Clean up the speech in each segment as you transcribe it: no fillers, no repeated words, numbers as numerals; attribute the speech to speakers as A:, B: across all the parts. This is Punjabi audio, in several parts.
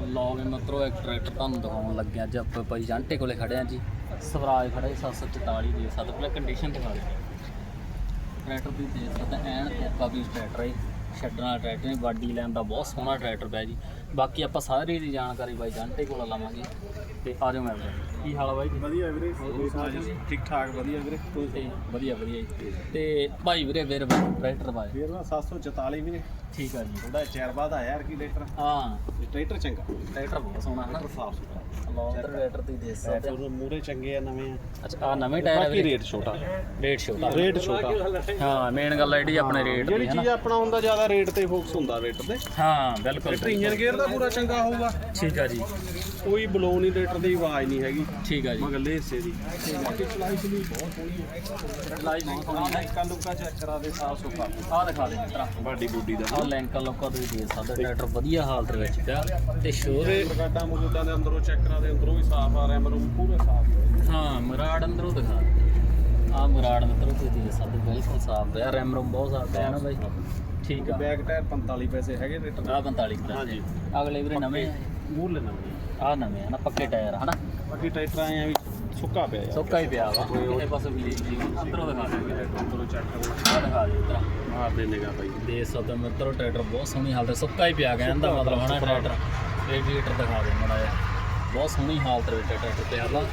A: ਲਓ ਮਿੱਤਰੋ ਇੱਕ ਟਰੈਕਟਰ ਤੁਹਾਨੂੰ ਦਿਖਾਉਣ ਲੱਗੇ ਅੱਜ ਆਪਾਂ ਭਾਈ ਜਾਂਟੇ ਕੋਲੇ ਖੜੇ ਆ ਜੀ। ਸਵਰਾਜ ਖੜਾ 744 ਦੇ ਸੱਤ ਪਹਿਲਾਂ ਕੰਡੀਸ਼ਨ ਦਿਖਾ ਦੇ ਟਰੈਕਟਰ ਦੀ ਦੇ ਸਕਦਾ ਐਨ ਕੋਕਾ ਵੀ ਟਰੈਕਟਰ ਹੈ। ਛੱਡਣ ਵਾਲਾ ਟਰੈਕਟਰ ਨਹੀਂ, ਬਾਡੀ ਲੈਣ ਦਾ ਬਹੁਤ ਸੋਹਣਾ ਟਰੈਕਟਰ ਪਿਆ ਜੀ। ਬਾਕੀ ਆਪਾਂ ਸਾਰੀ ਦੀ ਜਾਣਕਾਰੀ ਬਾਈ ਜਾਂਟੇ ਕੋਲ ਲਵਾਂਗੇ ਤੇ ਆ ਜਾਓ ਮੈਂ ਕੀ ਹਾਲ ਆ ਬਾਈ?
B: ਵਧੀਆ ਵੀਰੇ, ਠੀਕ ਠਾਕ ਵਧੀਆ ਵੀਰੇ,
A: ਤੇ ਵਧੀਆ ਵਧੀਆ ਜੀ। ਤੇ ਭਾਈ ਵੀਰੇ ਵੀਰ ਟਰੈਕਟਰ ਬਾਈ
B: ਵੀਰ ਨਾ 744 ਵੀਰੇ।
A: ਠੀਕ ਆ ਜੀ।
B: ਥੋੜਾ ਚਿਰ ਬਾਅਦ ਆਇਆ ਯਾਰ ਕੀ ਟਰੈਕਟਰ।
A: ਹਾਂ
B: ਟਰੈਕਟਰ ਚੰਗਾ,
A: ਟਰੈਕਟਰ ਬਹੁਤ ਸੋਹਣਾ ਹੈ ਨਾ,
B: ਸਾਫ ਸੁਥਰਾ।
A: ਲੌਂਗ ਟਰੈਕਟਰ ਦੀ ਦੇ ਸਕਦੇ ਆ।
B: ਮੂਰੇ ਚੰਗੇ ਆ, ਨਵੇਂ ਆ।
A: ਅੱਛਾ ਆ ਨਵੇਂ ਟਾਇਰ ਆ
B: ਬਾਕੀ
A: ਵੀਰੇ?
B: ਰੇਟ ਛੋਟਾ,
A: ਰੇਟ ਛੋਟਾ। ਹਾਂ ਮੇਨ ਗੱਲ ਆਈਡੀ ਆਪਣੇ ਰੇਟ
B: ਜਿਹੜੀ ਚੀਜ਼ ਆਪਣਾ ਹੁੰਦਾ ਜ਼ਿਆਦਾ ਰੇਟ ਤੇ ਫੋਕਸ ਹੁੰਦਾ ਰੇਟ ਤੇ।
A: ਹਾਂ ਬਿਲਕੁਲ।
B: ਟਰੈਕਟਰ ਇੰਜਨ ਗੇਅਰ ਦਾ ਪੂਰਾ ਚੰਗਾ ਹੋਊਗਾ।
A: ਠੀਕ ਆ ਜੀ।
B: ਕੋਈ ਬਲੋ ਨਹੀਂ, ਟਰੈਕਟਰ ਦੀ ਆਵਾਜ਼ ਨਹੀਂ ਹੈਗੀ।
A: ਠੀਕ ਆ ਜੀ।
B: ਮਗਲੇ ਹਿੱਸੇ ਦੀ ਬਾਕੀ ਚਲਾਈ ਚਲੀ ਬਹੁਤ ਸੋਹਣੀ ਹੈ।
A: ਚਲਾਈ ਬਹੁਤ ਸੋਹਣੀ ਹੈ।
B: ਲੈਂਕਾਂ ਲੁੱਕਾਂ ਚੈੱਕ ਕਰਾ ਦੇ, ਸਾਫ ਸੁਥਰਾ।
A: ਆਹ ਦਿਖਾ ਦੇ ਮਿੱਤਰਾ
B: ਬਾਡੀ ਬੂਡੀ ਦਾ
A: ਆਹ ਲੈਂਕਾਂ ਲੋਕਾਂ ਤੋਂ ਵੀ ਦੇ ਸਕਦੇ। ਟਰੈਕਟਰ ਵਧੀਆ ਹਾਲਤ ਦੇ ਵਿੱਚ ਪਿਆ ਤੇ ਸ਼ੋਰੇ
B: ਮਰਗਾਡਾ ਮੌਜੂਦਾ ਦੇ ਅੰਦਰੋਂ ਚੈੱਕ ਕਰਾ ਦੇ, ਅੰਦਰੋਂ ਵੀ ਸਾਫ ਆ ਰਿਹਾ, ਮਰੂਮ ਪੂਰੇ ਸਾਫ।
A: ਹਾਂ ਮੁਰਾੜ ਅੰਦਰੋਂ ਦਿਖਾ ਆਹ ਮੁਰਾੜ ਮਿੱਤਰੋ ਤੁਸੀਂ ਦੇ ਸਕਦੇ ਬਿਲਕੁਲ ਸਾਫ ਪਿਆ। ਰੈਮ ਰੂਮ ਬਹੁਤ ਸਾਫ ਪਿਆ ਨਾ ਬਾਈ। ਠੀਕ ਆ।
B: ਬੈਕ ਟਾਇਰ 45 ਪੈਸੇ ਹੈਗੇ ਟਰੈਕਟਰ।
A: ਆਹ 45 ਪੈਸੇ।
B: ਹਾਂਜੀ।
A: ਅਗਲੇ ਵੀਰੇ ਨਵੇਂ
B: ਮੂਰ ਲੈਣਾ
A: ਆਹ ਨਵੇਂ ਆ ਨਾ, ਪੱਕੇ ਟਾਇਰ ਹਨਾ।
B: ਬਾਕੀ ਟਰੈਕਟਰ ਆਏ ਆ ਵੀ ਸੁੱਕਾ ਪਿਆ ਯਾਰ।
A: ਸੁੱਕਾ ਹੀ ਪਿਆ ਵਾ। ਇਹ ਪਾਸੇ ਵੀ ਅੰਦਰੋਂ ਦਿਖਾ ਦੇ,
B: ਅੰਦਰੋਂ ਚੈੱਕ ਕਰੋ,
A: ਆਹ ਦਿਖਾ ਦੇ ਮਿੱਤਰਾ
B: ਮਾਰ ਦੇ ਨਿਗਾ ਬਾਈ।
A: ਦੇ ਸਕਦੇ ਮਿੱਤਰੋ ਟਰੈਕਟਰ ਬਹੁਤ ਸੋਹਣੀ ਹਾਲਤ, ਸੁੱਕਾ ਹੀ ਪਿਆ ਗਿਆ ਇਹਦਾ ਮਤਲਬ ਹਨਾ। ਟਰੈਕਟਰ ਰੇਡੀਏਟਰ ਦਿਖਾ ਦੇ ਮਾੜਾ ਜਿਹਾ, ਬਹੁਤ ਸੋਹਣੀ ਹਾਲਤ ਵਿੱਚ ਟਰੈਕਟਰ ਪਿਆ ਵਾ।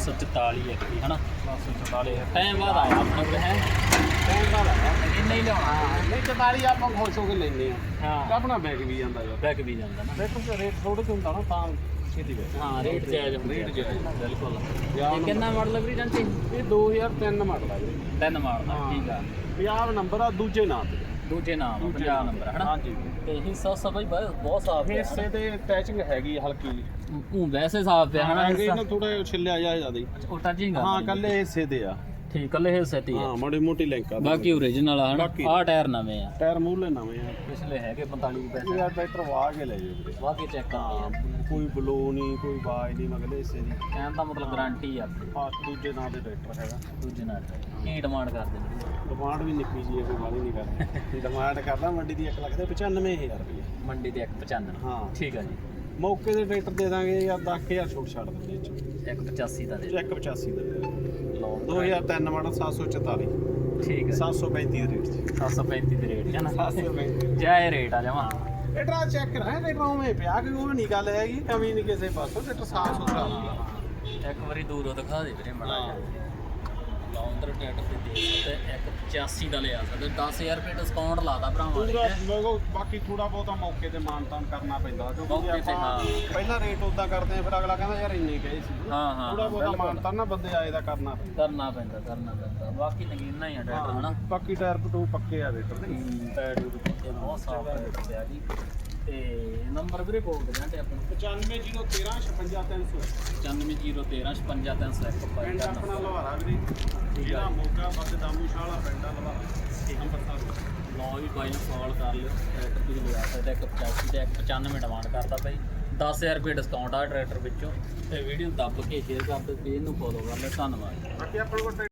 A: 744 ਇੱਕ ਹੀ ਹਨਾ।
B: 744
A: ਟਾਈਮ ਬਾਅਦ ਆਇਆ ਆਪਣੇ ਕੋਲ ਹੈ।
B: ਟਾਈਮ ਨਾਲ ਆਇਆ
A: ਇੰਨਾ ਹੀ ਲਿਆਉਣਾ।
B: ਨਹੀਂ 44 ਆਪਾਂ ਖੁਸ਼ ਹੋ ਕੇ ਲੈਂਦੇ ਆ।
A: ਹਾਂ
B: ਆਪਣਾ ਬੈਗ ਵੀ ਜਾਂਦਾ ਯਾਰ।
A: ਬੈਕ ਵੀ ਜਾਂਦਾ ਨਾ।
B: ਟਰੈਕਟਰ ਦਾ ਰੇਟ ਥੋੜਾ ਜਿਹਾ ਹੁੰਦਾ ਨਾ, ਤਾਂ ਛੇਤੀ ਵੇ।
A: ਹਾਂ ਰੇਟ ਜਾਇਜ਼
B: ਰੇਟ ਜਾਇਜ਼।
A: ਬਿਲਕੁਲ। ਇਹ ਕਿੰਨਾ ਮਾਡਲ ਵੀਰੇ ਜਾਂਦੇ?
B: ਇਹ 2003 ਮਾਡਲ ਆ ਵੀਰੇ।
A: 3 ਮਾਡਲ ਠੀਕ ਆ।
B: 50 ਨੰਬਰ ਆ, ਦੂਜੇ ਨਾਂ ਤੇ।
A: ਦੂਜੇ ਨਾਮ 50 ਨੰਬਰ ਹਨਾ।
B: ਹਾਂਜੀ।
A: ਤੇ ਹਿੱਸਾ ਸਭਾ ਬਹੁਤ ਸਾਫ ਪਿਆ
B: ਹਿੱਸੇ ਤੇ ਅਟੈਚਿੰਗ ਹੈਗੀ ਹਲਕੀ ਜਿਹੀ।
A: ਉਹ ਵੈਸੇ ਸਾਫ ਪਿਆ ਹਨਾ।
B: ਇਹਨਾਂ ਥੋੜਾ ਛਿੱਲਿਆ ਜਾ ਜਿਆਦਾ।
A: ਉਹ ਟੱਚਿੰਗ
B: ਹਾਂ ਕੱਲੇ ਹਿੱਸੇ ਤੇ ਆ।
A: ਠੀਕ ਕੱਲੇ ਹਿੱਸੇ ਤੇ
B: ਹਾਂ ਮਾੜੀ ਮੋਟੀ ਲਿੰਕ ਆ।
A: ਬਾਕੀ ਓਰੀਜਨਲ ਆ ਹਨਾ। ਆਹ ਟਾਇਰ ਨਵੇਂ ਆ,
B: ਟਾਇਰ ਮੂਹਰਲੇ ਨਵੇਂ ਆ।
A: ਪਿਛਲੇ ਹੈਗੇ 45 ਪੈਸੇ।
B: ਯਾਰ ਟਰੈਕਟਰ ਵਾਹ ਕੇ ਲੈ ਜਾਓ ਵੀਰੇ।
A: ਵਾਹ ਕੇ ਚੈੱਕ ਕਰਦੇ
B: ਕੋਈ ਬਲੋ ਨਹੀਂ, ਕੋਈ ਆਵਾਜ਼ ਨਹੀਂ ਮਗਲੇ ਹਿੱਸੇ ਦੀ।
A: ਕਹਿਣ ਦਾ ਮਤਲਬ ਗਾਰੰਟੀ ਆ।
B: ਦੂਜੇ ਨਾਂ ਦੇ ਟਰੈਕਟਰ ਹੈਗਾ।
A: ਦੂਜੇ ਨਾਲ ਕੀ ਡਿਮਾਂਡ ਕਰਦੇ ਨੇ?
B: ਡਿਮਾਂਡ ਵੀ ਨਿੱਕੀ ਜੀ ਹੈ, ਕੋਈ ਵਾਲੀ ਨਹੀਂ ਕਰਦਾ। ਡਿਮਾਂਡ ਕਰਦਾ ਮੰਡੀ ਦੀ 1,95,000 ਰੁਪਏ।
A: ਮੰਡੀ ਦੇ 195।
B: ਹਾਂ
A: ਠੀਕ ਆ ਜੀ।
B: ਮੌਕੇ ਦੇ ਟਰੈਕਟਰ ਦੇ ਦਾਂਗੇ ਯਾਰ 10,000 ਛੋਟ ਛੱਡ ਦਿੰਦੇ ਇਹ 'ਚ।
A: 185 ਦਾ ਦੇ
B: 185 ਦਾ
A: ਲਓ
B: 2003 ਮਾਡਲ 744।
A: ਠੀਕ ਹੈ
B: 735 ਦੇ ਰੇਟ 'ਚ।
A: 735 ਦੇ ਰੇਟ ਹੈ ਨਾ।
B: 735
A: ਜਾਇ ਰੇਟ ਆ ਜਮਾ।
B: ਟਰੈਕਟਰ ਚੈੱਕ ਕਰਾਂ, ਟਰੈਕਟਰ ਉਵੇਂ ਪਿਆ ਕਿ ਉਹ ਨਹੀਂ ਗੱਲ ਹੈਗੀ, ਕਮੀ ਨਹੀਂ ਕਿਸੇ ਪਾਸੋਂ। ਟਰੈਕਟਰ ਸਾਫ ਸੁਥਰਾ ਹੁੰਦਾ।
A: ਇੱਕ ਵਾਰੀ ਦੂਰੋਂ ਦਿਖਾ ਦੇ ਵੀਰੇ ਮਾੜਾ ਜਿਹਾ। ਲੌਂਦਰ ਟਰੈਕਟਰ ਤੇ ਦੇ ਸਕਦੇ 185 ਦਾ ਲਿਆ ਸਕਦੇ। 10,000 ਰੁਪਏ ਡਿਸਕਾਊਂਟ ਲਾਦਾ ਭਰਾਵਾਂ ਨੇ।
B: ਪੂਰਾ ਬਾਕੀ ਥੋੜਾ ਬਹੁਤਾ ਮੌਕੇ ਤੇ ਮਾਨਤਾਨ ਕਰਨਾ ਪੈਂਦਾ, ਕਿਉਂਕਿ
A: ਮੌਕੇ ਤੇ,
B: ਆਪਾਂ
A: ਹਾਂ।
B: ਪਹਿਲਾਂ ਰੇਟ ਉਦਾਂ ਕਰਦੇ ਆ, ਫਿਰ ਅਗਲਾ ਕਹਿੰਦਾ ਯਾਰ ਇੰਨੇ ਕਹੇ ਸੀ।
A: ਹਾਂ ਹਾਂ
B: ਥੋੜਾ ਬਹੁਤਾ ਮਾਨਤਾਨ ਨਾ ਬੰਦੇ ਆਏ ਦਾ ਕਰਨਾ ਪੈਂਦਾ।
A: ਕਰਨਾ ਪੈਂਦਾ। ਬਾਕੀ ਨਗੀਨਾ ਹੀ ਆ ਟਰੈਕਟਰ ਹਨਾ।
B: ਬਾਕੀ ਟਾਇਰ ਪਟੂ ਪੱਕੇ ਆ ਟਰੈਕਟਰ ਦੇ।
A: ਟਾਇਰ ਪੱਕੇ ਬਹੁਤ ਸਾਫ ਪਿਆ ਜੀ। ਤੇ ਨੰਬਰ ਵੀਰੇ ਬੋਲ ਦੇ ਜਾਂਦੇ ਆਪਾਂ
B: 950113 56300।
A: 950113 55301
B: ਪਿੰਡ ਆਪਣਾ ਲਵਾਰਾ ਵੀਰੇ। ਜਿਹੜਾ ਮੋਗਾ ਬੱਸ ਦਾਮੂਸ਼ਾਲਾ ਪਿੰਡ ਆ ਲਵਾਰਾ, ਅੰਮ੍ਰਿਤਸਰ।
A: ਲਓ ਵੀ ਬਾਈ ਨੂੰ ਕਾਲ ਕਰ ਲਿਓ। ਟਰੈਕਟਰ ਤੁਸੀਂ ਲਿਆ ਸਕਦੇ 185 ਤੇ 195 ਡਿਮਾਂਡ ਕਰਦਾ ਬਾਈ। 10,000 ਰੁਪਏ ਡਿਸਕਾਊਂਟ ਆ ਟਰੈਕਟਰ ਵਿੱਚੋਂ। ਤੇ ਵੀਡੀਓ ਦੱਬ ਕੇ ਸ਼ੇਅਰ ਕਰ ਦਿਓ, ਪੇਜ ਨੂੰ ਫੋਲੋ ਕਰ ਲਿਓ। ਧੰਨਵਾਦ।
B: ਬਾਕੀ ਆਪਣੇ ਕੋਲ